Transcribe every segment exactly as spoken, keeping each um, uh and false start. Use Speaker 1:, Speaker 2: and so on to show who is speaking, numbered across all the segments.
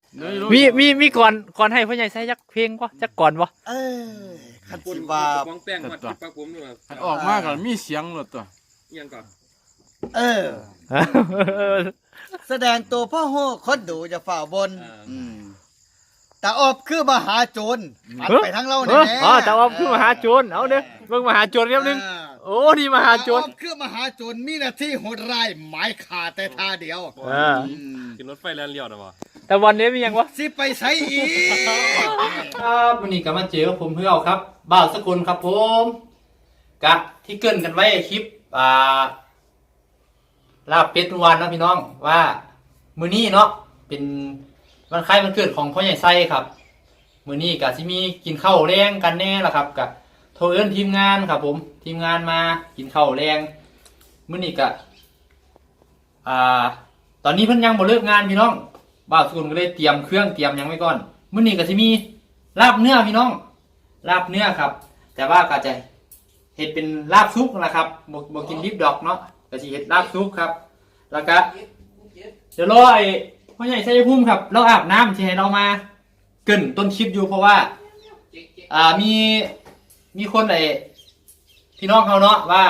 Speaker 1: มีมีมีก่อนก่อนให้พ่อใหญ่ใส่จักเพลงบ่จักก่อนบ่
Speaker 2: เออคันสิว่า
Speaker 3: ของแป้งมาที่ปากผมด้วย
Speaker 4: มันออกมาก่อนมีเสียงหลดตัว
Speaker 3: ยังก่อน
Speaker 2: เออ แสดงตัวพ่อโหคนดูจะฝ่าบนอืมตาอบคือมหาโจรมันไปทั้งเรา
Speaker 1: เอ
Speaker 2: เนี่ย
Speaker 1: อ
Speaker 2: แหละ
Speaker 1: อ๋อแต่ว่าคือมหาโจรเอาเด้อเบิ่งมหาโจรเรียบนึงโอ้นี่มหาโจร
Speaker 2: ตาอบคือมหาโจรมีหน้าที่โหดร้ายหมายขาดแต่ท่าเดียว
Speaker 1: เออ
Speaker 2: อืม
Speaker 3: กินรถไฟแล่นเลี้ยวนะวะ
Speaker 1: แต่วันนี้มีหยังวะ
Speaker 2: สิไปใช้อีก
Speaker 1: ครับวันนี้ก็มาเจอกับผมเพื่อเอาครับบ่าวสกุลครับผมกะที่เกรินกันไว้คลิปอ่าลาบเป็ดวันนะพี่น้องว่ามื้อนี้เนาะเป็นวันคล้ายวันเกิดของพ่อใหญ่ไส้ครับมื้อนี้ก็สิมีกินข้าวแรงกันแน่ล่ะครับกับโทรเอิ้นทีมงานครับผมทีมงานมากินข้าวแรงมื้อนี้ก็อ่าตอนนี้เพิ่นยังบ่เลิกงานพี่น้องบ่าวสกุลก็เลยเตรียมเครื่องเตรียมหยังไว้ก่อนมื้อนี้ก็สิมีลาบเนื้อพี่น้องลาบเนื้อครับแต่ว่าก็จะเฮ็ดเป็นลาบซุปนะครับบ่บ่กินดิบดอกเนาะก็สิเฮ็ดลาบซุปครับแล้วก็เดี๋ยวรอไอ้พ่อใหญ่ชัยภูมิครับเราอาบน้ำที่ให้เรามาเกรินต้นคลิปอยู่เพราะว่าอ่ามีมีคนไอ้พี่น้องเขาเนาะว่า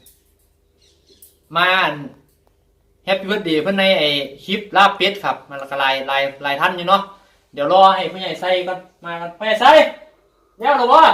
Speaker 1: มาแฮปปี้เบิร์ธเดย์เพิ่นในไอ้คลิปลาบเป็ดครับมันก็หลายหลายหลายท่านอยู่เนาะเดี๋ยวรอให้พ่อใหญ่ไส้ก่อนมากันพ่อใหญ่ไส้แล้วหรอวะ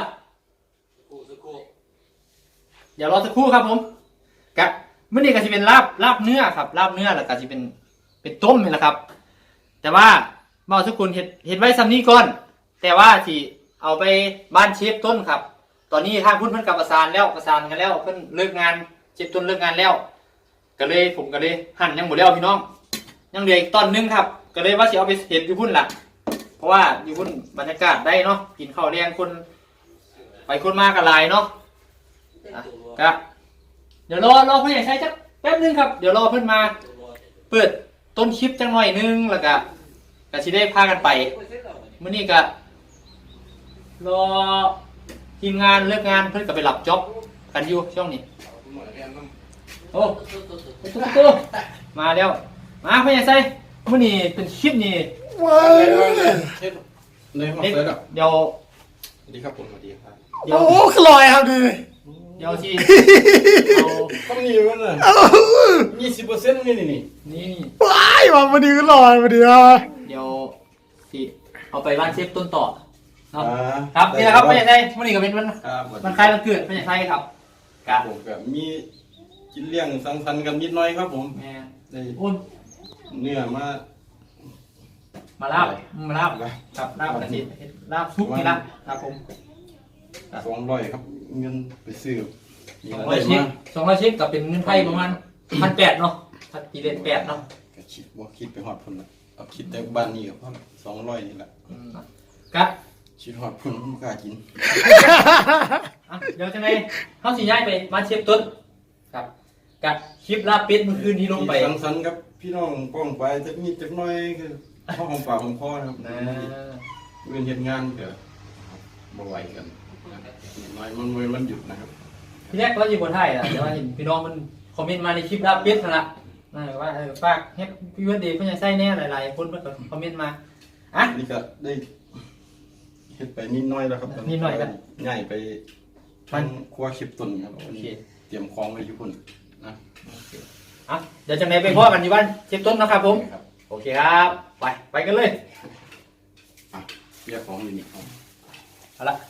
Speaker 1: เดี๋ยวรอสักครู่ครับผมกับมื้อนี้ก็สิเป็นลาบลาบเนื้อครับลาบเนื้อแล้วก็สิเป็นเป็นต้มนี่แหละครับแต่ว่าเมาทุกคนเห็ดเห็ดไว้ซ้ำนี้ก่อนแต่ว่าสิเอาไปบ้านเชฟต้นครับตอนนี้ทางพุ่นเพิ่นกับประสานแล้วประสานกันแล้วเพิ่นเลิกงานเชฟต้นเลิกงานแล้วก็เลยผมก็เลยหั่นยังหมดแล้วพี่น้องยังเหลืออีกตอนนึงครับก็เลยว่าสิเอาไปเห็ดอยู่พุ่นล่ะเพราะว่าอยู่พุ่นบรรยากาศได้เนาะกินข้าวแรงคนไปคนมากันหลายเนาะก็เดี๋ยวรอรอพ่อใหญ่ใช้จักแป๊บนึงครับเดี๋ยวรอเพิ่นมาเปิดต้นคลิปจังหน่อยนึงแล้วก็ก็สิได้พากันไปมื้อนี้ก็รอทีมงานเลิกงานเพิ่นก็ไปหลับจ็อบกันอยู่ช่วงนี้โอ้ตุ๊กๆมาแล้วมาพ่อใหญ่ใส่มื้อนี้เป็นคลิปนี่
Speaker 2: ว้าว
Speaker 4: เลยมา
Speaker 1: เดี๋
Speaker 4: เสิร์ฟอ่ะ
Speaker 1: ยว
Speaker 4: สวัสดีครับผมสวัสดีครับ
Speaker 1: เดี๋ยว
Speaker 2: โอ้ขลอยครับดิ
Speaker 1: เดี๋ยวสิเอา
Speaker 4: ต้องมีมันเลยยี่สิบเปอร์เซ็นต์นี่นี่นี่
Speaker 1: นี่
Speaker 2: ว้ายมาพอดีขลอยพอดีอ่ะ
Speaker 1: เดี๋ยวสิเอาไปบ้านเชฟต้นต่อเนาะ
Speaker 4: อ่า
Speaker 1: ครับนี่แหละครับพ่อใหญ่ใส่มื้อนี้ก็เป็นวัน
Speaker 4: ครับ
Speaker 1: มันคล้ายวันเกิดพ่อใหญ่ใส่ครับกะ
Speaker 4: ผมกับมีกินเลี้ยงสังสรรค์กันนิดหน่อยครับผม
Speaker 1: แม่
Speaker 4: ได้
Speaker 1: อุ่น
Speaker 4: เนื้อมา
Speaker 1: มาลาบมาลาบครับลาบกระดิ่งลาบซุปนี่ละครับผม
Speaker 4: สองร้อยครับเงินไปซื้อมี
Speaker 1: สอง
Speaker 4: อะ
Speaker 1: ร้
Speaker 4: ไร
Speaker 1: อยชิ้น
Speaker 4: มา
Speaker 1: สองร้อยชิ้นกับเป็นเงินไทยประมาณพันแปดเนาะพันกี่เดือนแปดเนาะ
Speaker 4: ก็คิดว่าคิดไปหอดพุ่นละเอาคิดแต่บ้านนี้ก็พอสองร้อยนี่แหละ
Speaker 1: กะ
Speaker 4: คิดหอดพุ่นไม่กล้ากิน
Speaker 1: อ่ะเดี๋ยวจะไงเขาสิย้ายไปบ้านเชฟต้นครับกะคลิปลาบเป็ดเมื่อคืนที่ลงไป
Speaker 4: สังสรรค์กับพี่น้องป้องไปจะมีจักหน่อยคือพ่อของปากของพ่อนะครับ
Speaker 1: นะ
Speaker 4: เวียนเห็นงานก็บ่ไหวกันน้อยมันมันมันหยุดนะครับ
Speaker 1: พี่แรกเราอยู่บนไทยนะแต่ว่าเห็นพี่น้องมันคอมเมนต์มาในคลิปลาบเป็ดนั่นละนะว่าเออฝากแฮปปี้วันเดย์เพื่อนจะใส่แน่หลายๆคนมันก็คอมเมนต์มาอ่ะ
Speaker 4: นี่ก็ได้เฮ็ดไปนิดหน้อยแล้วครับ
Speaker 1: นิดหน่อยครับ
Speaker 4: ง่ายไปทั้งครัวคลิปตุนครับ
Speaker 1: โอเค
Speaker 4: เตรียมของไว้อยู่พุ่นนะ
Speaker 1: อ่ะเดี๋ยวจะไหนไปพ่อกันอยู่บ้านเชฟต้นนะครับผม
Speaker 4: ครับ
Speaker 1: โอเคครับไปไปกันเลย
Speaker 4: อ่ะเรียกของอยู่นี่ครับ
Speaker 1: เอาละ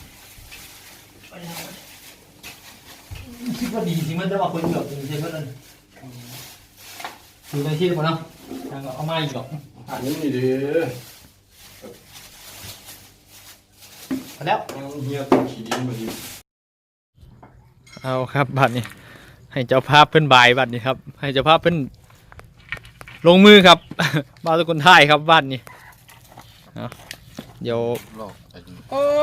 Speaker 1: คิดว่าดีจริงมันจะมาคนเกือบจริงใช่ไหมนั่นดูในที่มันเนาะทางเอามาอีกหรอก
Speaker 4: อันนี้นี่เด้อ
Speaker 1: เอาแล้ว
Speaker 4: ยังเฮียตัวขี้ดินบ่ดี
Speaker 1: เอาครับบัตรนี้ให้เจ้าภาพเพิ่นบายบัตรนี้ครับให้เจ้าภาพเพิ่นลงมือครับ บาสกุลไทยครับบัตรนี้เอาเดี๋ยว
Speaker 4: หลอกไอ้นี่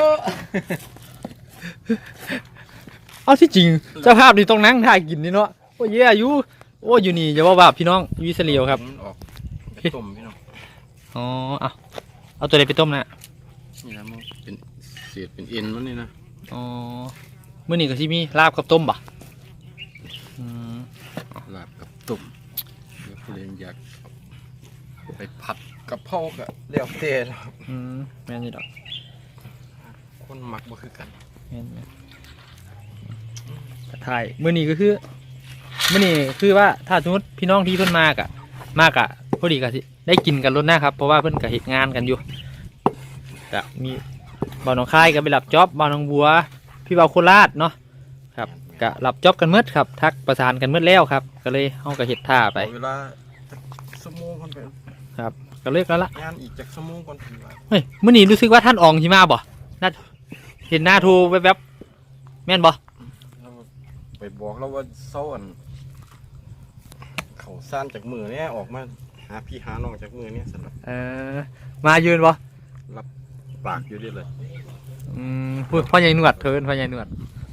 Speaker 1: เอาที่จริงเจ้าภาพนี่ต้องนั่งถ่ายกินนี่เนาะโอ้ยเยอายุโอ้อยู่นี่อย่าว่าบาปพี่น้องอยูอิสราเอลครับ
Speaker 4: มันออกไปต้มพี่น้อง
Speaker 1: อ๋อเอาเอาตัวใดไปต้มนะ
Speaker 4: นี่นะมันเป็นเศษเป็นเอ็นมันนี่นะ
Speaker 1: อ๋อเมื่อนี้ก็ที่มีลาบกับต้มบ่อืม
Speaker 4: ลาบกับต้มเดี๋ยวผู้เล่นอยากเอาไปผัดกับเผาก็เลี้ยวเตะครับ
Speaker 1: อืมแม่นอยู่ดอก
Speaker 4: คนมักบ่คือกัน
Speaker 1: แม่นแม่นกระถ่ายมื้อนี้ก็คือมื้อนี้คือว่าถ้าสมมติพี่น้องที่เพิ่นมากอะมากอะพอดีก็สิได้กินกันล้นหน้าครับเพราะว่าเพิ่นก็เฮ็ดงานกันอยู่ก็มีบ่าวหนองคายก็ไปรับจ็อบบ่าวหนองบัวพี่บ่าวโคราชเนาะครับก็รับจ็อบกันหมดครับทักประสานกันหมดแล้วครับก็เลยเฮาก็เฮ็ดท่าไป
Speaker 4: เวลาชั่วโมงก่อนไป
Speaker 1: ครับก็เลิกแล้วละ
Speaker 4: งานอีกจักชั่วโมงก่อนถึงว่า
Speaker 1: เฮ้ยมื้อนี้รู้สึกว่าท่านอองสิมาบ่น่าเห็นหน้าโทรแวบๆแม่นบ่
Speaker 4: เราไปบอกเราว่าเศร้าอันเขาซ่านจากมือเนี่ยออกมาหาพี่หาน้องจากมือเนี่ยสำหรับ
Speaker 1: เออมายืนบ่
Speaker 4: รับปากอยู่ดิเลย
Speaker 1: อืมพูดพ่อใหญ่หนวดเทินพ่อใหญ่หนวด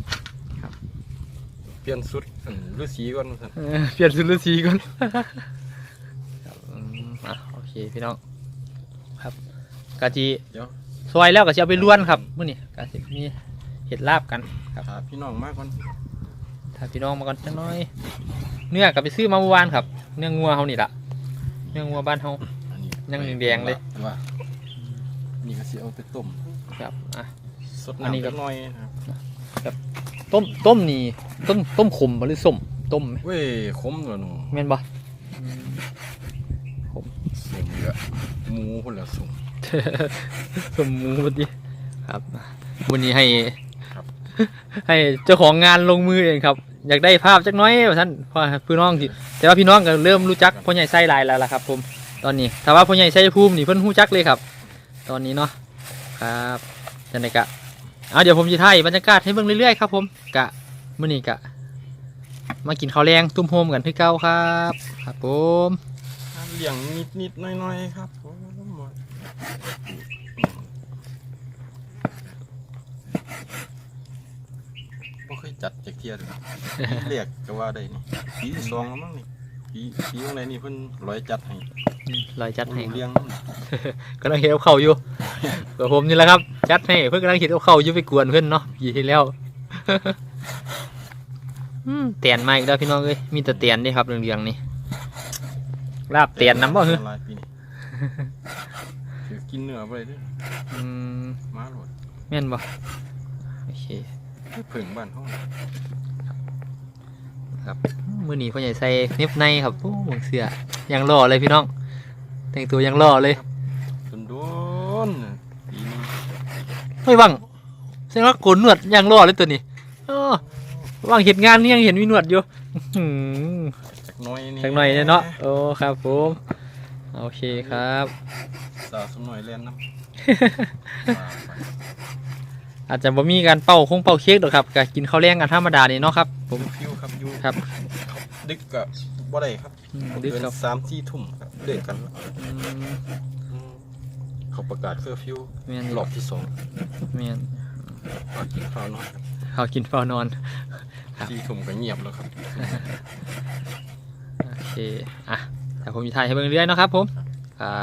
Speaker 4: เปลี่ยนสุดอันฤาษีก่อนสั่น
Speaker 1: เออเปลี่ยนสุดฤาษีก่อนครับอืมอ่ะโอเคพี่น้องครับกะจี
Speaker 4: เดี๋ยว
Speaker 1: ซอยแล้วก็จะเอาไปล้วนครับมื้อนี้กะสิมีเห็ดลาบกันครับ
Speaker 4: หาพี่น้องมากก่อน
Speaker 1: ถ้าพี่น้องมาก่อนจังน้อย เนื้อก็ไปซื้อมาเมื่อวานครับเนื้องัวเฮานี่ล่ะเนื้องัวบ้านเฮา
Speaker 4: อันนี้
Speaker 1: ยังแดงๆเลย
Speaker 4: ว่านี่ก็สิเอาไปต้ม
Speaker 1: ครับอ่ะ
Speaker 4: สด
Speaker 1: อันนี้
Speaker 4: น้ำ
Speaker 1: ก็
Speaker 4: จักหน่อยนะครับ
Speaker 1: ต้มต้มนี่ต้มต้มขมบ่หรือส้มต้มไหม
Speaker 4: เว้ยขมเหรอหนู
Speaker 1: แม่นบ่
Speaker 4: ส่งเยอะหมูคนละส่ง
Speaker 1: สมมูดิครับวันนี้ให้
Speaker 4: ครับ
Speaker 1: ให้เจ้าของงานลงมือเองครับ อยากได้ภาพจักหน้อยว่าท่านเพราะพี่น้องที่แต่ว่าพี่น้องก็เริ่มรู้จักพ่อใหญ่ไส้ลายแล้วล่ะครับผมตอนนี้ถ้าว่าพ่อใหญ่ไส้ภูมินี่เพิ่นรู้จักเลยครับ ตอนนี้เนาะครับจังไดกะเอาเดี๋ยวผมจะถ่ายบรรยากาศให้เบิ่งเรื่อยๆครับผมกะมื้อนี้กะมากินข้าวแรงตุ้มโฮมกันคือเก่าครับครับผม
Speaker 4: เลี้ยงนิดนิดๆหน้อยหน้อยๆครับผมบ่เคยจัดจากเทียเลยเรียกก็ว่าได้นี่ปีที่สองแล้วมั้งนี่ปีปีอะไรนี่เพิ่นร้อยจัดให้
Speaker 1: ลอยจัดให้
Speaker 4: เลี้ยง
Speaker 1: กำลังเห็นเอาเข่าอยู่ กับผมนี่แหละครับจัดให้เพื่อนกำลังเห็นเอาเข่าอยู่ไปกวนเพื่อนเนาะปีที่แล้ว อืมเตียนมาอีกแล้วพี่น้องเอ้ยมีแต่เตียนนี่ครับเรื่องๆนี่ลาบเตียนน้ำบ่เหรอ
Speaker 4: หลายปีนี่ถือกินเนื้อไปเลยเด้อ
Speaker 1: อืม
Speaker 4: มาโหลด
Speaker 1: แม่นบ่โอเค
Speaker 4: เพิ่งบ้านห้อง
Speaker 1: ครับมื้อนี้พ่อใหญ่ใส่เน็บในครับโอ้หมวกเสื้อยังหล่อเลยพี่น้องแต่งตัวยังหล่อเลย
Speaker 4: จนโดนปีนี้
Speaker 1: ไม่ว่างแสดงว่าโกนหนวดยังหล่อเลยตัวนี้อ้อว่างเห็นงานนี่ยังเห็นมีหนวดอยู่อื้อหือ
Speaker 4: จากหน้อยนี่
Speaker 1: สักหน่อยเนาะโอ้ครับผมโอเคครับ
Speaker 4: สาวสมหน่อยเล่นน้ำ
Speaker 1: อาจจะบ่มีการเป่าคงเป่าเค้กหรอกครับก็กินข้าวแรงกันธรรมดานี่เนาะครับผม
Speaker 4: ฟิวครับอยู่
Speaker 1: ครับ
Speaker 4: ดึกกับบ่ได้ครับ
Speaker 1: อืมดึกครับ
Speaker 4: เนสามสี่ทุ่มครับเลิกกัน
Speaker 1: อืม
Speaker 4: อืมเขาประกาศเคอร์ฟิว
Speaker 1: แม่น
Speaker 4: รอบที่สอง
Speaker 1: แม่น
Speaker 4: ฝากกินข้าวน้อยครับ
Speaker 1: ข้าวกินเฝ้านอน ครับ
Speaker 4: สี่ทุ่มก็เงียบแล้วครับ
Speaker 1: โอเคอ่ะแต่ผมมีถ่ายให้เบิ่งเรื่อยเนาะครับผมครับ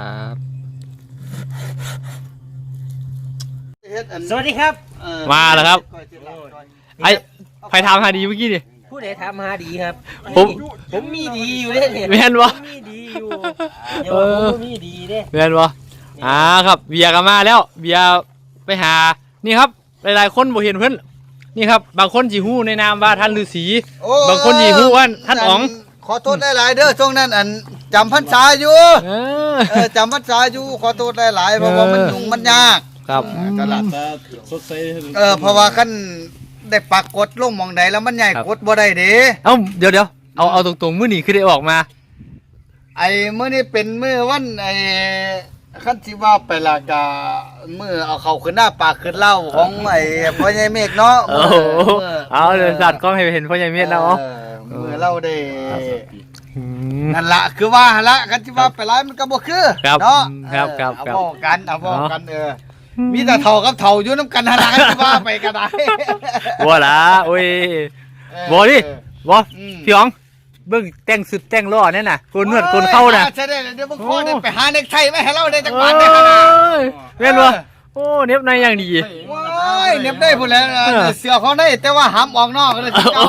Speaker 2: สวัสดีครับ
Speaker 1: มาแล้วครับไอ้ใครถามหาดีเมื่อกี้ดิ
Speaker 5: ผู้ใดถามหาดีครับ
Speaker 1: ผม
Speaker 5: ผมมีดีอยู่เด้เนี่ย
Speaker 1: แม่นบ่
Speaker 5: ผมมีดีอยู่เดี๋ยวว่าผมมีดีเด้
Speaker 1: แม่นบ่อ่าครับเบียร์ก็มาแล้วเบียร์ไปหานี่ครับหลายๆคนบ่เห็นเพิ่นนี่ครับบางคนสิฮู้ในนามว่าท่านฤาษี
Speaker 2: โอ้
Speaker 1: บางคนสิฮู้ว่าท่านอ๋อง
Speaker 2: ขอโทษหลายๆเด้อช่วงนั้นอันจำพรรษาอยู่
Speaker 1: เออ
Speaker 2: เออจำพรรษาอยู่ขอโทษหลายๆเพราะว่ามันยุ่งมันยาก
Speaker 1: ครับ
Speaker 2: ตลาด
Speaker 4: ตาสดใส
Speaker 2: เออเพราะว่าขั้นได้ปักกดลงหมองใดแล้วมันใหญ่
Speaker 1: ครับ
Speaker 2: กดบ่ได้เด้
Speaker 1: เอ้าเดี๋ยวเดี๋ยวเอาเอาตรงๆมื้อนี้คือได้ออกมา
Speaker 2: ไอ้มื้อนี้เป็นมื้อวันไอ้ขั้นสิว่าไปละกะมื้อเอาเข้าขึ้นหน้าปากขึ้นเล่าของไอ้พ่อใหญ่เมฆเนาะ
Speaker 1: โอ้โหเอาเลยสัตว์ก็ให้เห็นพ่อใหญ่เม็ดแล้ว
Speaker 2: เอ
Speaker 1: เนาะ
Speaker 2: อมื้อเราได้
Speaker 1: อืม
Speaker 2: นั่นละคือว่าหั่นละขั้นสิว่าไปหลายมันก็บ่คือ
Speaker 1: ครับ
Speaker 2: เนาะ
Speaker 1: ครับครับ
Speaker 2: เออ
Speaker 1: ครับ
Speaker 2: เอาบอกกันเอาบอกกันเออมีแต่เท่ากับเท่าอยู่น้ำกันหั่นละขั้นสิว่าไปก็ได้
Speaker 1: บ่ล่ะโอ้ย
Speaker 2: เออ
Speaker 1: บ่ดิบ่
Speaker 2: อืม
Speaker 1: พี่อ๋องเบิ่งแต่งสุดแต่งล้อนั่นน่ะโกนนวดโกนเข้าน่ะ
Speaker 2: ใช่ได้เดี๋ยวมึงขอได้
Speaker 1: โอ้
Speaker 2: ไปหาเน็กไทไว้ให้เราได้จัก
Speaker 1: โอ้
Speaker 2: บาทได้ขนาด
Speaker 1: ยแม่นบ่โอ้เน็บในอย่างดี
Speaker 2: ว้ายเน็บได้พุ่นแล้ว
Speaker 1: เออ
Speaker 2: เสือเขาได้แต่ว่าห้ามออกนอกเลยสิเจ้า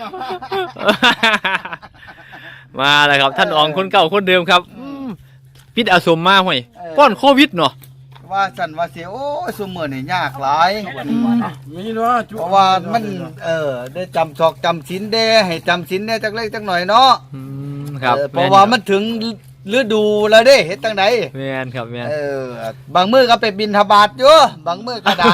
Speaker 1: มาแล้วครับท่านอ๋องคนเก่าคนเดิมครับอืมปิดอาสมมาห่วย
Speaker 2: เออ
Speaker 1: ป้อนโควิดเนาะ
Speaker 2: ว่าสั่นว่าเสียโอ้ยซุมื้อนี่ยากหลาย
Speaker 4: มีเนาะจุ
Speaker 2: เพราะว่ามันเออได้จำศอกจำศีลเด้ให้จำศีลเด้จักเล็กจักหน่อยเนาะ
Speaker 1: อืมครับ
Speaker 2: เออเพราะว่ามันถึงฤดูแล้วเด้เฮ็ดจังได
Speaker 1: แม่นครับแม่น
Speaker 2: เออบางมื้อก็ไปบิณฑบาตอยู่บางมื้อก็ได้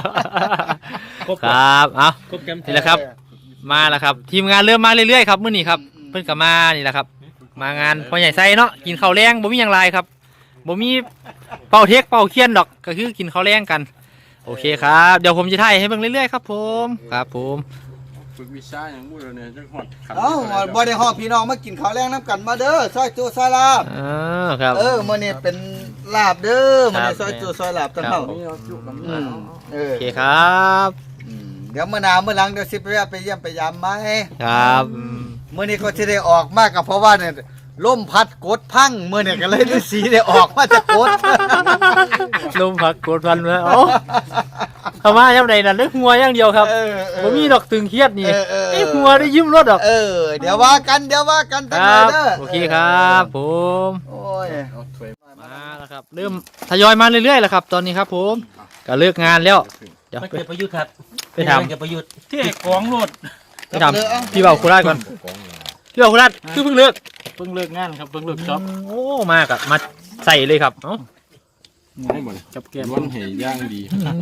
Speaker 1: ครับเอา
Speaker 5: ครบแกม
Speaker 1: นี่แหละครับ มาแล้วครับ ทีมงานเริ่มมาเรื่อยๆครับมื้อนี้ครับเพิ่นก็มานี่แหละครับ มางานพ่อใหญ่ไส้เนาะกินข้าวแรงบ่มีหยังหลายครับบ่มีเป่าเทกเป่าเคียนดอกก็คือกินข้าวแรงกัน โอเคครับเดี๋ยวผมจะถ่ายให้เบิ่งเรื่อยๆครับผมครับผม
Speaker 4: ฝึกวิชาอย่างบุ้ยเนี่ยจังหวัดขัน
Speaker 2: เอ้าบ่ได้ฮ้อพี่น้องมากินข้าวแรงน้ำกันมาเด้อซอยจูซอยลาบ
Speaker 1: เออครับ
Speaker 2: เออมื้อนี้เป็นลาบเด้อมื้อนี้
Speaker 1: ครับ
Speaker 2: ซอยจูซอยลาบจังเฮา
Speaker 1: ครับ
Speaker 2: อืมเออ
Speaker 1: โอเคครับ
Speaker 2: อืมเดี๋ยวมื้อหน้ามื้อหลังเดี๋ยวสิไปแวะไปเยี่ยมไปยามไหม
Speaker 1: ครับอืม
Speaker 2: มื้อนี้ก็สิได้ออกมาก็เพราะว่าเนี่ยลมพัดกดพังมื้อนี้ก็เลยฤาษีได้ออกมาจากกด
Speaker 1: ลมพักกดพันมาเอ้าเข้ามาย่ำใดน่ะเลือกหัวอย่างเดียวครับ
Speaker 2: เออเออ
Speaker 1: ผมมีดอกตึงเครียดนี่
Speaker 2: เออเออ
Speaker 1: ไอ้หัวได้ยิ้มรถดอก
Speaker 2: เออเดี๋ยวว่ากันเดี๋ยวว่ากัน
Speaker 1: ค
Speaker 2: ตั้ง
Speaker 1: รั
Speaker 2: แต่
Speaker 1: บ
Speaker 2: เด้อ
Speaker 1: โอเคครับผม
Speaker 2: โอ้ย
Speaker 4: เอาถ้วย
Speaker 1: มาแล้วครับ เริ่มทยอยมาเรื่อยๆแล้วครับ ตอนนี้ครับผมก็เลิกงานแล้วเดี๋ยว
Speaker 5: มัน
Speaker 1: ไป
Speaker 5: เกิดประยุทธ์ครับ
Speaker 1: ไปถาม
Speaker 5: เกิดประยุทธ์
Speaker 3: ที่กองรถ
Speaker 1: ไปถามพี่เบาโคราชก่อนพี่เบาโคราชคือเพิ่งเลิก
Speaker 3: เพิ่งเลิกงานครับเพิ่งเลิกจ็อบ
Speaker 1: โอ้มากอะมาใส่เลยครับเอ้า
Speaker 4: ให้หมด
Speaker 3: จับแกม
Speaker 4: ล้วนเหยย่างดี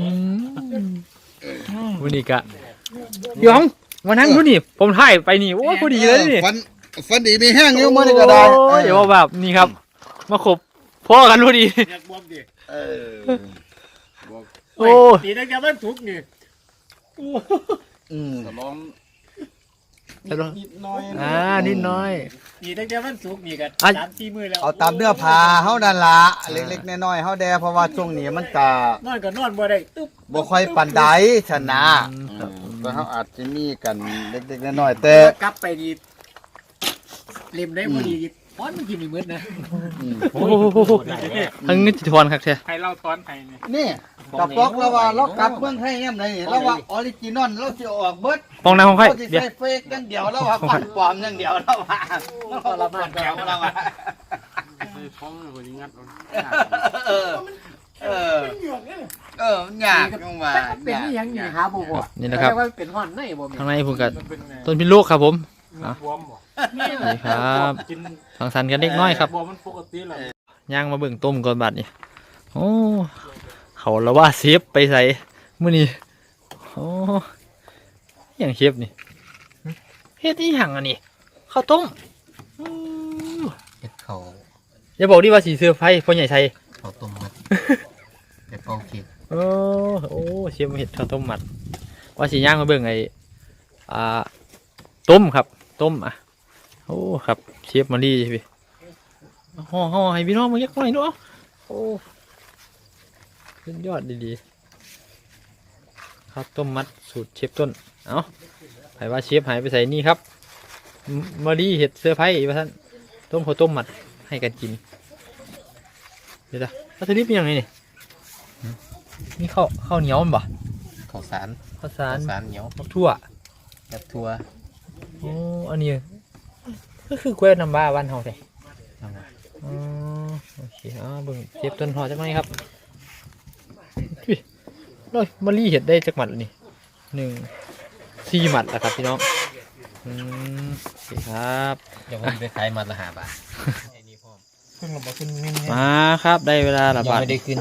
Speaker 1: วันนี้กะพี่หยองมานั่งดูนี่ผมถ่ายไปนี่โอ้ยพอดีเลยนี่
Speaker 2: ฟันฟันดีมีแห้งอยู่มื้อนี้ก็ได้
Speaker 1: โอ้ยเดี๋ยวว่าแบบนี่ครับ มาขบพ่อกันพอดี
Speaker 3: อยากบวมดิ
Speaker 2: เออ
Speaker 1: โอ้
Speaker 3: ตีนักแกมันทุกนี่
Speaker 2: อืม
Speaker 4: แต่ล้อม
Speaker 1: แต่ละ
Speaker 4: นิดน้อย
Speaker 1: อ่านิดน้อย
Speaker 3: ตีนักแกมันทุกนี่กัน
Speaker 1: อ่ะ
Speaker 3: สามสี่มือแล้ว
Speaker 2: เอาตามเนื้อผ้าเฮานั่นล่ะเล็กๆน้อยๆเฮาแดเพราะว่าช่วงนี้มันก็
Speaker 3: นอนก็นอนบ่ได้ตุ๊บ
Speaker 2: บ่ค่อยปานใดชนะ
Speaker 1: ครับ
Speaker 2: แต่เฮาอาจจะมีกันเล็กๆน้อยๆแต่
Speaker 3: กลับไปดีเล่มได้พอดีพอนมันกินไม่มืดนะ
Speaker 2: อืม
Speaker 1: โอ้โหทั้งนี้จิตรพรครับใช่
Speaker 3: ใครเล่าทอนใครเนี่ย
Speaker 2: นี่กระป๋องเราว่าเรากลับเมืองไทยเนี่ยไหนเราว่าออริจินอลเราสิออกเบิด
Speaker 1: ฟองน้ำของใคร
Speaker 2: เราสิ
Speaker 1: เดี๋ยว
Speaker 2: ใส่เฟกอย่างเดียวแล้วว่าก่อนปลอมอย่างเดียวแล้วว่ามันก็ละมันแก้วเราว่า
Speaker 4: ใส่ท้องเลยคนนี้งัดเอา
Speaker 2: เออเออเออมันยากจังว่า
Speaker 3: เป็นนี่ยังนี่หาบ่บ่
Speaker 1: นี่นะครับ
Speaker 3: แต่ว่าเป็นห่อนในบ่มี
Speaker 1: ข้างในผมกับ
Speaker 3: มันเป็นไง
Speaker 1: ต้นพิโลกครับผม
Speaker 3: บวมบ่
Speaker 1: นี่ครับ
Speaker 3: กิน
Speaker 1: สังสรรค์กันเล็กน้อยครับ
Speaker 3: บวมมันปกติแหละ
Speaker 1: ย่างมาเบิ่งต้มก่อนบัดนี่โอ้เขาละว่าเซฟไปใส่มื้อนี้โอ้อย่างเชฟนี่เฮ็ดอีหยังอันนี้ข้าวต้มอู้
Speaker 5: เห็ดเขา
Speaker 1: อย่าบอกดิว่าสีเสื้อไฟพ่อใหญ่ชัย
Speaker 5: เขาต้มมัดเป็ดเป่าเค้ก
Speaker 1: โอ้โอ้เชฟมาเฮ็ดข้าวต้มมัดว่าสิย่างมาเบิ่งไอ้อ่าต้มครับต้มอ่ะโอ้ครับเชฟมาดีพี่ห่อห่อให้พี่น้องมึงยักหน่อยเนาะโอ้สุดยอดดีๆข้าวต้มมัดสูตรเชฟต้นเอาไผว่าเชฟหายไปใส่นี่ครับมมาดีเห็ดเสื้อร์ไผ่อีกว่าท่านต้มข้าวต้มมัดให้กันกินเดี๋ยวนะวัตถุดิบเป็นยังไงนี่หืมนี่ข้าวข้าวเหนียวมันบ่
Speaker 5: ข้าวสาร
Speaker 1: ข้าวสาร
Speaker 5: ข้าวสารเหนียว
Speaker 1: ข้าวทั่ว
Speaker 5: กับถั่ว
Speaker 1: โอ้อันนี้ก็คือกล้วยน้ำว้าบ้านเฮาใช่ อ๋อโอเคอ่าเบิ่งเก็บต้นหอจักหน่อยครับอุ้ยน้อยมะลิเห็ดได้จักหมัดแล้วนี่หนึ่งสี่หมัดแล้วครับพี่น้องอืมโอเคครับ
Speaker 5: เดี๋ยวผมไปขายมัดละห้าบาทไอ้นี่พ่อ
Speaker 3: ขึ้นลงมาขึ้นนิ่ง
Speaker 1: มาครับได้เวลาระ
Speaker 5: ยัง
Speaker 1: บาด
Speaker 5: ไม่ได้ขึ้น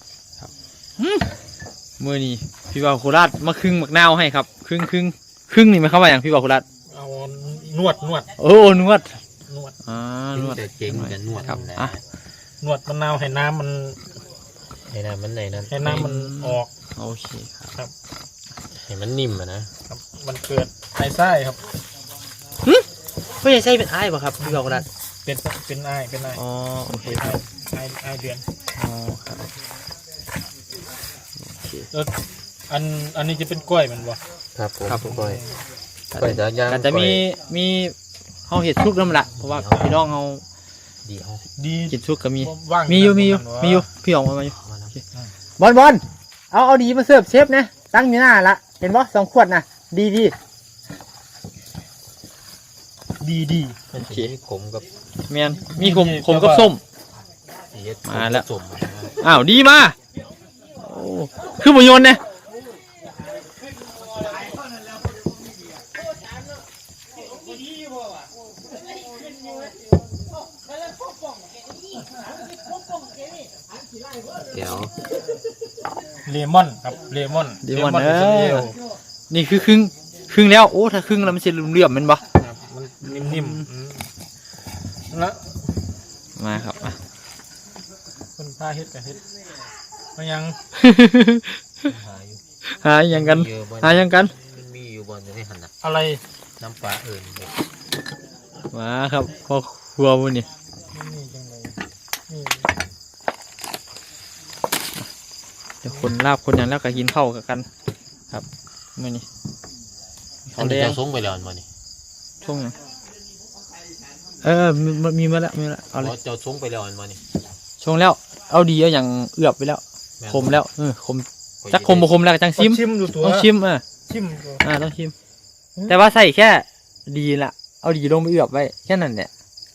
Speaker 1: มื้อนี้พี่บ่าวโคราชมาครึ่งหมักนาวให้ครับครึ่งครึ่งครึ่งนี่หมายความว่าอย่างพี่บ่าวโคราช
Speaker 3: ๆเอานวดนวด
Speaker 1: โอ้นวด
Speaker 3: นวด
Speaker 1: อ่านวด
Speaker 5: แต่เจ๋งจะนวด
Speaker 1: ครับ
Speaker 5: นะ
Speaker 1: อ่ะ
Speaker 3: นวดมะนาวให้น้ำมัน
Speaker 5: ให้น้ำมันไหนนั้น
Speaker 3: ให้น้ำมันออก
Speaker 1: โอเคครับ
Speaker 5: ให้มันนิ่มอะนะครับ
Speaker 3: มันเกิดไส้ไส้ครับ
Speaker 1: พ่อใหญ่ใช่เป็นอ้ายป่ะครับพี่บ่าวโคราช
Speaker 3: เป็นเป็นไอายเป็นไอาย
Speaker 1: อ๋อโอเค
Speaker 3: ไอ
Speaker 1: ครับ
Speaker 3: ไอไอายเดือน
Speaker 1: อ๋อครับ
Speaker 3: แล้วอันอันนี้จะเป็นกล้วยมันบ่
Speaker 5: ครับผม
Speaker 1: ครับผม
Speaker 5: ก้อยก้อยจะย่าง
Speaker 1: แต่จะมี
Speaker 5: ก้อย
Speaker 1: มีเฮาเห็ดชุกน้ำละเพราะว่าพี่น้องเฮา
Speaker 5: ดีเอา
Speaker 3: ดี
Speaker 1: กินชุกก็มี
Speaker 3: ว่าง
Speaker 1: มีอยู่มีอยู่
Speaker 3: ประาณ
Speaker 1: มีอยู่พี่ออกมามาอยู่
Speaker 5: เอามานะ
Speaker 1: บอลบอลเอาเอาดีมาเสิร์ฟเชฟนะตั้งอยู่หน้าละเห็นบ่สองขวดนะดีดี
Speaker 3: ดีดี
Speaker 5: มัน
Speaker 1: โอเค
Speaker 5: จะมีขมกับ
Speaker 1: แมนมีขมขมกับส้ม
Speaker 5: สีเฮ็ด
Speaker 1: มาแล้ว
Speaker 5: สม
Speaker 1: อ้าวดีมาโอ้คือบ่โยนเนี่ย
Speaker 5: เดี๋ยว
Speaker 3: เลมอนครับเลมอน
Speaker 1: ดีวัน
Speaker 3: เล
Speaker 1: เอ
Speaker 3: อิสราเอ
Speaker 1: อ
Speaker 3: ล
Speaker 1: นี่คือครึ่งครึ่งแล้วโอ้ถ้าครึ่งแล้วมันจะเหลื่อมๆแมันบ่
Speaker 3: ครับมันนิ่มๆอืมแล้ว
Speaker 1: มาครับอ่ะ
Speaker 3: คนพาเฮ็ดกับเฮ็ดมันยัง
Speaker 5: หาอยู่
Speaker 1: หาอย่างกัน
Speaker 5: เยอะบ่
Speaker 1: หาอย่างกัน
Speaker 5: มันมีอยู่บนนี้หันน่ะ
Speaker 3: อะไร
Speaker 5: น้ำปลาเอิญเด็ก
Speaker 1: มาครับพอครัวมื้อนี้
Speaker 3: นี่จังเลยนี่
Speaker 1: เดี๋ยวคนลาบคนหยังแล้วก็กินข้าวกันครับมื้อนี้
Speaker 5: อั
Speaker 1: ข้าน วแด
Speaker 5: นี้
Speaker 1: ง
Speaker 5: จะส่งไปแล้วอันบ่นี่
Speaker 1: ช่วงหยังเออมีมีมาแล้วมีมาแล้วเอาเลย
Speaker 5: เจ้าส่งไปแล้วอันบ่นี่
Speaker 1: ช่วงแล้วเอาดีเอาอย่างเอือบไปแล้ว
Speaker 5: ม่น
Speaker 1: คมแล้วเออคม
Speaker 5: ข้อย
Speaker 1: จักคมบ่คมแล้วก็จังซิม
Speaker 3: ชิมดูตัว
Speaker 1: ต้องชิมอ่ะ
Speaker 3: ชิมดู
Speaker 1: อ่าต้องชิม แต่ว่าใส่แค่ดีละเอาดีลงไปเอือบไว้แค่นั้นแหละ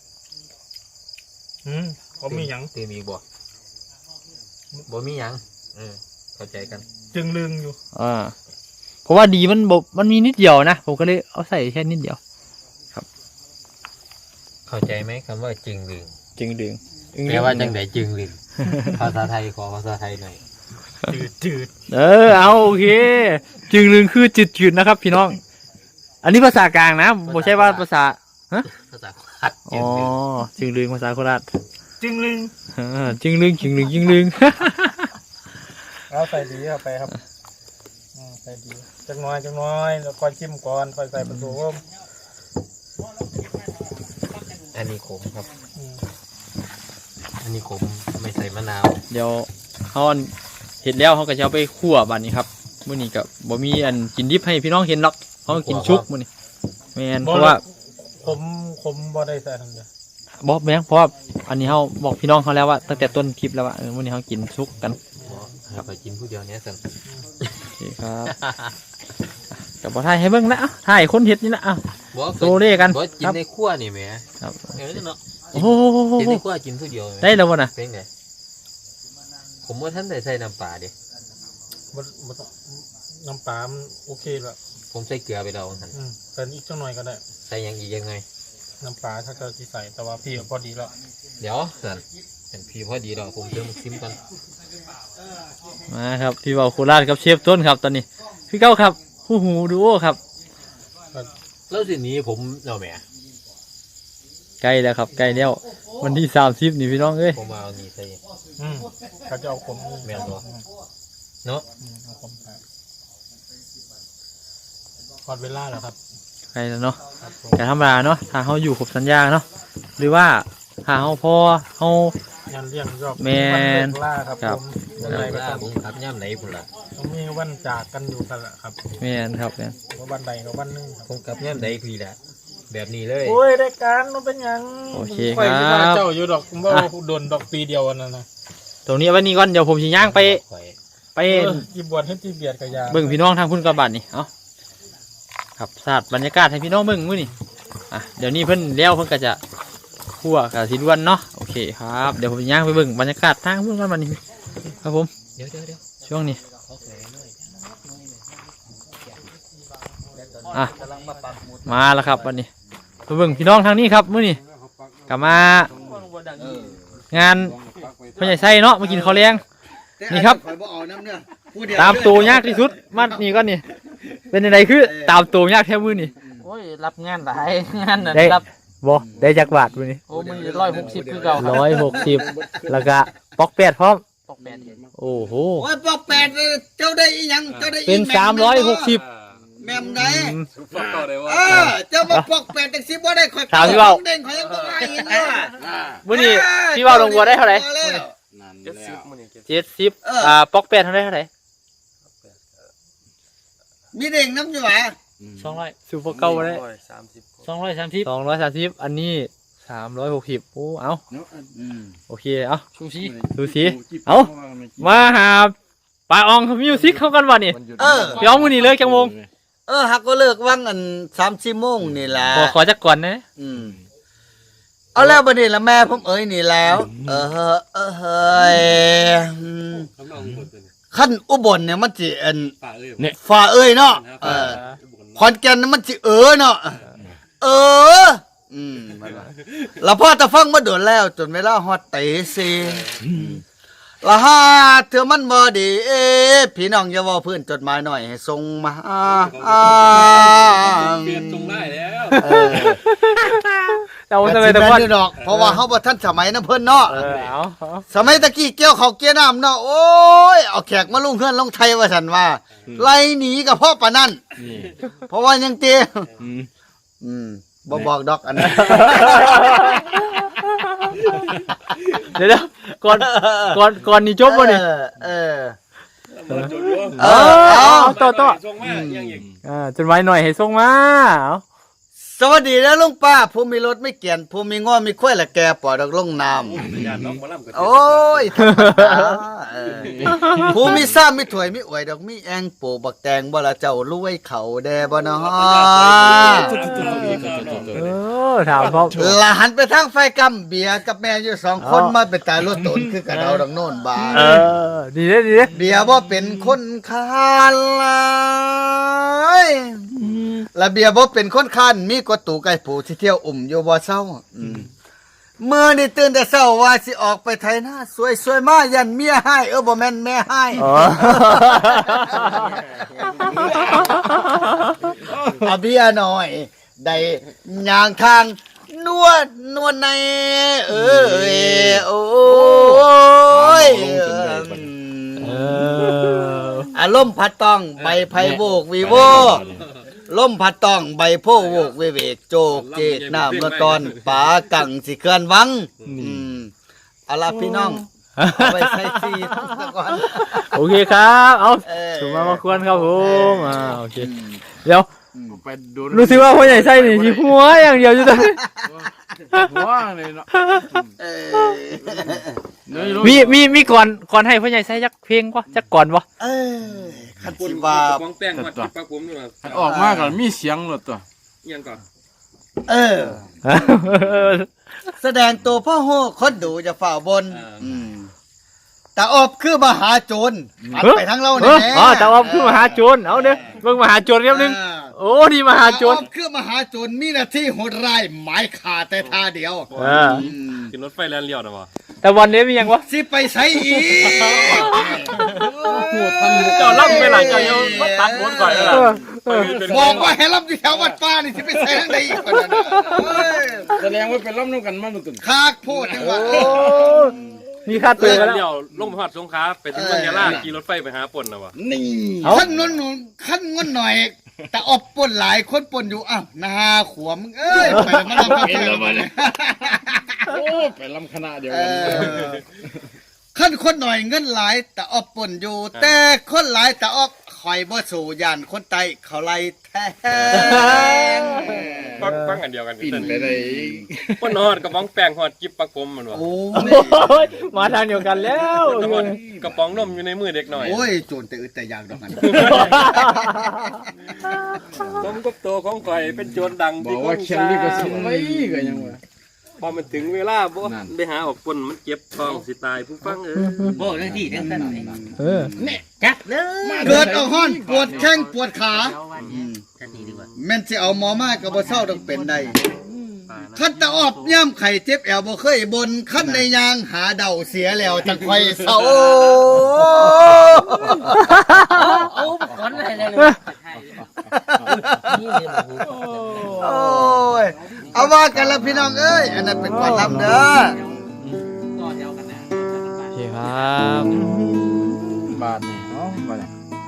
Speaker 3: อืมเขามีหยัง
Speaker 5: เติมอีกบ่บ่มีหยังเออเข้าใจกัน
Speaker 3: จึงลึงอยู่
Speaker 1: อ่าเพราะว่าดีมันบบมันมีนิดเดียวนะผมก็เลยเอาใส่แค่นิดเดียว
Speaker 5: เข้าใจไหมคำว่าจึงลึง
Speaker 1: จึงดึง
Speaker 5: แปลว่าจังไดจึงลึงภาษาไทยขอภาษาไทยหน่อย
Speaker 3: จืดจืด
Speaker 1: เออเอาโอเค จึงดึงคือจืดๆนะครับ พี่น้อง อันนี้ภาษากลางนะไม่ใช่ว่าภาษา
Speaker 5: ภาษาโคราช
Speaker 1: อ๋
Speaker 5: จึ
Speaker 1: อง
Speaker 5: ลึง
Speaker 1: จึงดึงภาษาโคราช
Speaker 3: จึงลึง
Speaker 1: เออจึงดึงจึงดึงจึงดึง
Speaker 3: เอาใส่ดีเข้าไปครับอืมใส่ดีจักหน้อยจักหน้อยแล้วค่อยชิมก่อนค่อยใส่ผสม
Speaker 5: อันนี้ขมครับ
Speaker 3: อืม
Speaker 5: อันนี้ขมไม่ใส่มะนาว
Speaker 1: เดี๋ยวเขาอันเห็ดแล้วเขาก็จะเอาไปคั่วบัดนี้ครับมื้อนี้ก็บ่มีอันกินดิบให้พี่น้องเห็นหรอกเขาก็กินชุบมื้อนี้แม่นเพราะว่า
Speaker 3: ผมผมบ่ได้ใส่ทั้งเดียว
Speaker 1: บอกแม่งเพราะว่าอันนี้เขาบอกพี่น้องเขาแล้วว่าตั้งแต่ต้นคลิปแล้วว่าเออมื้อนี้เขากินชุกกัน
Speaker 5: ครับไปกินผู้เดียวเนี้ยสัน
Speaker 1: โอเคครับกับบ่ถ่ายให้เบิ่งนะเอ้าถ่ายคนเฮ็ดนี่ละเอ้า
Speaker 5: บอก
Speaker 1: โซเล่กัน
Speaker 5: บอกกิ
Speaker 1: คน รับ
Speaker 5: ในครัวนี่แหม
Speaker 1: ครับ
Speaker 5: เออเนาะ
Speaker 1: โอ้โห
Speaker 5: กินในครัวกินผู้เดียวแหม
Speaker 1: ได้แล้วบ่น่ะ
Speaker 5: เป็นไงผมว่าท่านได้ใส่น้ำปลาดิ
Speaker 3: บ่บ่ต้องน้ำปลามันโอเคแล้ว
Speaker 5: ผมใส่เกลือไปแล้วท่าน
Speaker 3: อืมใส่อีกจักหน่อยก็ได้
Speaker 5: ใส่หยังอีกยังไง
Speaker 3: น้ำปลาถ้าเกิดที่ใส่แต่ว่าพี่พอดีแล้ว
Speaker 5: เดี๋ยวสันเห็นพี่พอดีแล้วผมเติมซิมกัน
Speaker 1: มาครับพี่เบาโคราชครับเชฟต้นครับตอนนี้พี่เก้าครับผู้หูดูโอครับ
Speaker 5: แล้วทีนี้ผมเอาแหม
Speaker 1: ใกล้แล้วครับใกล้แล้ววันที่สามสิบนี่พี่น้องเอ้ย
Speaker 5: ผมมาเอานี่ใส่
Speaker 3: อืมเขาจะเอาขม
Speaker 5: แม่นบ่เนาะ
Speaker 3: อืมเอาขมใส่พอดเวลาแล้วครับ
Speaker 1: ใกล้แล้วเนาะ
Speaker 3: ครับผม
Speaker 1: แต่ธรรมดาเนาะถ้าเขาอยู่ครบสัญญาเนาะหรือว่าถ้าเขาพอเขา
Speaker 3: งานเลี้ยงรอบ
Speaker 1: แม่น
Speaker 3: วันเลิกล่าครับ
Speaker 1: ครับ
Speaker 3: ผมวันไหนก็
Speaker 5: ล่า
Speaker 3: ต้อง
Speaker 5: ผมขับย่ำไหนพุ่นล่ะ
Speaker 3: ต้องมีวันจากกันอยู่กันแหละครับ
Speaker 1: แม่นครับแม่น
Speaker 3: ว่าวันใดกับวันหนึงครับ
Speaker 5: ผมขับย่ำไหนพี่แหละแบบนี้เลย
Speaker 3: โอ้ยได้การมันเป็นหยัง
Speaker 1: โอเค
Speaker 3: ข่อย
Speaker 1: ค
Speaker 3: เว
Speaker 1: รั
Speaker 3: ลา
Speaker 1: บ
Speaker 3: เจ้าอยู่ดอกผมว่าโดนดอกปีเดียวอันนั้นนะ
Speaker 1: ตรงนี้เอาไวันนี้ก่อนเดี๋ยวผมสิย่างไป
Speaker 5: ข่อย
Speaker 1: ไป
Speaker 3: เออที่บวชให้ที่เบียดกับยา
Speaker 1: เบิ่งพี่น้องทางพุ่นกระบาดนี่เอาครับสาดบรรยากาศให้พี่น้องเบิ่งมื้อนี่อ่ะเดี๋ยวนี้เพิ่นเลี้ยวเพิ่นก็จะคั่วกับสีด้วนเนาะโอเคครับเดี๋ยวผมสิย่างไปเบิ่งบรรยากาศทางพุ่นกันบัดนี้ครับผม
Speaker 5: เดี๋ยวเดี๋ยวเดี๋ยว
Speaker 1: ช่วงนี้อ่ะมาแล้วครับวันนี้ไปเบิ่งพี่น้องทางนี้ครับมื้อนี้กลับมางานพ่อใหญ่ไส้เนาะมากินข้าวแรง นี่ครับ
Speaker 2: ข่อยบ่เอาน้ำเนื้อผู้เดียว
Speaker 1: ตามตัวยากที่สุดมานี่ก่อนนี่เป็นยังไงคือตามตัวยากแท้มื้อนี่
Speaker 6: โอ้ยรับงานหลายงานน่ะ
Speaker 1: ได้
Speaker 6: รับ
Speaker 1: บ่ได้จักบาทมื้อนี้
Speaker 6: โอ้มึงร้อยหกสิบคือเก่าครับ
Speaker 1: ร้อยหกสิบแล้วก็ปอกแปดพร้อม
Speaker 6: ตกแปดเห็น
Speaker 1: โอ้โห
Speaker 2: โอ้ยปอกแปดเลยเจ้าได้อีหยังเจ้าได้อี
Speaker 1: เป็น
Speaker 2: แม่
Speaker 1: สามร้อยหกสิบ
Speaker 2: แม่มไหน
Speaker 4: ฟังต่อเลยว่า
Speaker 2: เออเจ้ามาปอกแปดจังสิบ่ได้ข่อย
Speaker 1: ถามพี่เว้า
Speaker 2: เด้งข่อยยังบ่ได้อีกนะ
Speaker 1: มื้อนี้พี่ว่าลงบัวได้เท่าไหร่
Speaker 2: พอแล้ว
Speaker 4: นั่นแล้ว
Speaker 1: เจ็ดสิบ
Speaker 2: เอออ่
Speaker 1: อ่าปอกแปดเท่าไหร่เท่าไหร่
Speaker 2: มีเด้งน้ำอยู่หว่า
Speaker 1: สองร้อยสูบเก่าได้สองร้อยสามสิบสองร้อยสามสิบอันนี้สามร้อยหกสิบโอ้เอา
Speaker 2: อืม
Speaker 1: โอเคเอา
Speaker 6: ชูชี
Speaker 1: ดูสิเอามาหาปลาอองมิวสิกเข้ากันวะนี่
Speaker 2: เออ
Speaker 1: พี่อองมือนี่เลยจังวง
Speaker 2: เออหักก็เลิกว่างอันสามสี่โมงนี่ล่ะ
Speaker 1: ขอขอจักก่อนนะ
Speaker 2: อืมเอาแล้วบัดนี้ละแม่ผมเอ้ยนี่แล้ว เออเออเฮ้ยอืมขั้นอุบลเนี่ยมันสิอันฝ่าเอ้ยเนาะเออขอนแก่นมันสิเออเนาะเอออืมแล้วพ่อตะฟังมาโดนแล้วจนเวลาฮอดเตะสิละฮาเธอมันบ่ดีเอ้พี่น้องอย่าเว้าพื้นจดหมายหน่อยให้ส่งมาอ่า
Speaker 5: เปลี่ยนตรงได้แล้ว
Speaker 2: เออ
Speaker 6: เรา
Speaker 2: แต่
Speaker 6: จะไป
Speaker 2: สิ
Speaker 6: ตะ
Speaker 2: แม่
Speaker 6: วัน
Speaker 2: นอยู่ดอกเพราะว่าเฮาบ่ทันสมัยนำเพิ่นเนาะ
Speaker 6: เออเอาเอา
Speaker 2: สมัยตะกี้เกี่ยวเขาวเกี่ยวน้ำเนาะโอ้ยเอาแขกมาลุงเพื่อนลงไทยว่าฉันว่าไล่หนีกับพ่อปะนั่นเพราะว่ายังเตี้ยอืมบ่บอกดอกอันนั้น
Speaker 6: เดี๋ยวเดี๋ยวก่อนก่อนก่อนนี่จบวะนี่
Speaker 2: เออเออ
Speaker 5: เออจุดรู้
Speaker 2: เอ
Speaker 6: เอ
Speaker 2: อ
Speaker 6: อ
Speaker 2: เอา
Speaker 6: เอาต่อต่อ
Speaker 5: ส่งมายังอีก
Speaker 6: อ่าจนไว้หน่อยให้ส่งมาเอา
Speaker 2: สวัสดีนะลุงป้าผู้มีรถไม่เกียนผู้มีง้อมีข้อยละแกปล่อยดอกลงน้
Speaker 5: ญาติน้องมาล่ำกัน
Speaker 2: ำโอ้ยธรรมดาเออผู้มีซ้ำมีถวยมีอวยดอกมีแองโปบักแตงบ่ละเจ้ารวยเขาแดบ่เนาะ
Speaker 6: เออถามพ่อ
Speaker 2: ละหันไปทางไฟกำเบียร์กับแม่อยู่สองคนมาเป็นตายรถตนคือกันเอาดังโน่นบา
Speaker 6: เออดีเด้อดีเด้อ
Speaker 2: เบียร์บ่เป็นคนคานลายและเบียร์บ่เป็นคนคานมีกดตู่ไก่ผูที่เที่ยวอุ่มอยู่บ่เศร้าอืมเมื่อนี่ตื่นแต่เช้าว่าสิออกไปไถนาสวยสวยๆมายันเมียให้เออบ่แม่นแม่ให้
Speaker 6: อ๋อ
Speaker 2: เอาเบียร์หน่อยได้ย่างทางนวดนวดในเอ้ยโอ้ย
Speaker 6: เออ
Speaker 2: อารมณ์พัดต้องใบไผ่โวกวีโวลมพัดต้องใบโพโวกเวเวกโจกเจกน้ำละตอนป่ากังสิเคลื่อนวังอืมเอาล่ะพี่น้องเอาไปใส่ซีซะก่อน
Speaker 6: โอเคครับเอา
Speaker 2: เออ
Speaker 6: ถูกมามาควรครับผมอ่าโอเคเดี๋ยว
Speaker 4: ไปดู
Speaker 6: รู้สึกว่าพ่อใหญ่ไส้นี่ที่หัวอย่างเดียวอยู่ตอนนี้
Speaker 4: หัวเลยเนาะ
Speaker 2: เออ
Speaker 6: มีมีมีก่อนก่อนให้พ่อใหญ่ไส้จักเพลงวะจักก่อนวะ
Speaker 2: เออคัน
Speaker 5: คน
Speaker 2: สิ
Speaker 5: ว่า
Speaker 2: ว่า
Speaker 5: ฟองแป้งมาจิบปลาผมด้วย
Speaker 4: ออกมาก่อนมีเสียงหลดตัว
Speaker 5: ยังก่อน
Speaker 2: เออ แสดงตัวพ่อโหคนดูจะฝ่าบนอืมแต่อบคือมหาโจรอัดไปทั้งเรา
Speaker 6: เอ
Speaker 2: เนี่ย
Speaker 6: ออ๋อแต่ว่าคือมหาโจรเอาเด้อเบิ่งมหาโจรครับนึงโอ้นี่มหาโจร
Speaker 2: แต่อบคือมหาโจรมีหน้าที่โหดร้ายหมายขาดแต่ท่าเดียว
Speaker 6: เออ
Speaker 5: ขึ้นรถไฟแลนเลี้ยวนะวะ
Speaker 6: แต่วันนี้มียังวะ
Speaker 2: สิไปใช้อีก
Speaker 5: เจ้าล่ำไปหลังเจ้าเยอะมาตัดหมดก่อนเลย
Speaker 6: เออเออ
Speaker 2: บอกว่าให้รับอยู่แถววัดป้านี่สิไปใช้ทางใดอีกคนนั้นน่ะเอ้ย
Speaker 4: แสดงว่าเป็นล้ำน้ำกันมาหนุตุน
Speaker 2: คากโพดจังหวะ
Speaker 6: โอ้มีค่าตัวกันแล้ว
Speaker 5: เลี้ยวลงไปหอดสงขลาไปถึงเมืองยะลาขี่รถไฟไปหาป่นนะวะ
Speaker 2: นี่
Speaker 6: เอ้า
Speaker 2: ขั้นนวลหนุนขั้นงอนหน่อย แต่อบปนหลายคนปนอยู่อ้าวนาขวมเอ้ยไปแล้วมาลำกันแล้วมาเลย
Speaker 4: โอ้ไปล้ำคณะเดียว
Speaker 2: เอ
Speaker 4: กัน
Speaker 2: อขั้นคนหน่อยเงินหลาย แต่อบปนอยู่ แต่คนหลายแต่อบคอยบ่สู่ย่านคนไตเขาไล่แทง
Speaker 5: ฟังฟังอันเดียวกัน
Speaker 4: ปิ่นไปเลย
Speaker 5: ป่นหอดกระป๋องแป้งหอดจิบปลาผมมันวะ
Speaker 2: โอ้
Speaker 6: โอ้ยมาทางเดียวกันแล้ว
Speaker 5: หอดกระป๋องนมอยู่ในมือเด็กหน่อย
Speaker 2: โอ้ยโจรแต่อึดแต่อยากดอกกัน
Speaker 5: ผมกับตัวของข่อยเป็นโจรดัง
Speaker 4: บอ
Speaker 5: ที่
Speaker 4: ก
Speaker 5: ค
Speaker 4: ว่าน เขียนนี่ก็สิไว้ก็ยังวะ
Speaker 5: พอมันถึงเวลาบ่
Speaker 4: นั่น
Speaker 5: ไปหาออกป่นมันเจ็บท้องสิตายผู้ฟังเออ
Speaker 7: บอกเรื่องที่เรื่องนั้นหน่อย
Speaker 6: เออ
Speaker 7: จักเลย
Speaker 2: เกิดเอาห้อนปวดแข้งปวดขา
Speaker 7: ทันทีดีกว่า
Speaker 2: แม่นสิเอาหมอมาก็บ่เศร้าต้องเป็นได้ขั้นตะออบย่ำไข่เจ็บแอวบ่เคยบนขั้นในยางหาเดาเสียแล้วจังไฟเศร้า
Speaker 7: เอาก่อนเลยเลยนี่เลยบอก
Speaker 2: โอ้ยเอาว่ากันละพี่น้องเอ้ยอันนั้นเป็นความลำเด้อ
Speaker 7: ก่อนเดียวกันนะ
Speaker 6: โอเคครับ
Speaker 4: บาทนี่เนาะบาทนี่